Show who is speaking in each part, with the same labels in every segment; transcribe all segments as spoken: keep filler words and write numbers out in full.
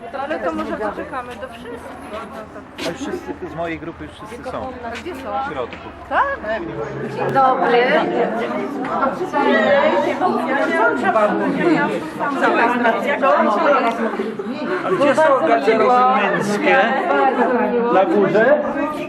Speaker 1: Ale to może poczekamy do wszystkich.
Speaker 2: Ale wszyscy z mojej grupy już wszyscy są.
Speaker 1: A gdzie są?
Speaker 2: W środku.
Speaker 1: Tak? Dzień dobry.
Speaker 3: A gdzie są garderoby męskie? Na górze?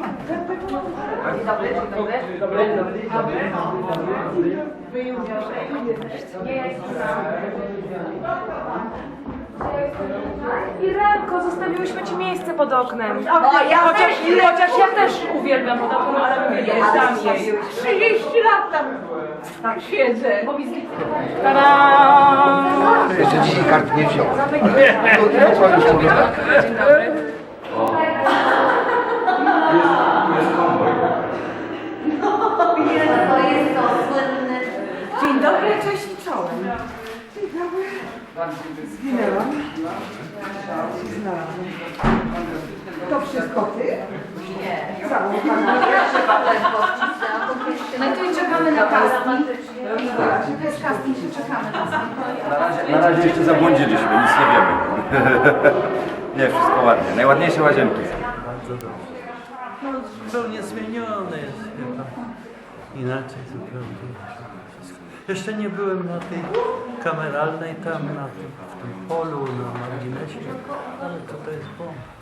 Speaker 4: Irenko, zostawiłyśmy ci miejsce pod oknem. O, ja chociaż, chociaż ja też uwielbiam pod oknem, ale mówię, nie dam jej.
Speaker 1: trzydzieści lat tam tak siedzę.
Speaker 4: Tadam!
Speaker 5: Jeszcze dzisiaj kart nie wziął.
Speaker 4: Dzień dobry. Dzień dobry, cześć i czołem.
Speaker 6: Zginęłam. Znalazłam. To wszystko ty? Nie. Całą
Speaker 4: No i tu czekamy na casting.
Speaker 6: To jest casting, czekamy na
Speaker 7: Na razie, na razie jeszcze zabłądziliśmy, nic nie wiemy. Nie, wszystko ładnie. Najładniejsze łazienki.
Speaker 3: Bardzo dobrze. No zupełnie zmienione jest chyba. Inaczej zupełnie wszystko. Jeszcze nie byłem na tej kameralnej tam, na tym, w tym polu, na marginesie, ale to jest bomba.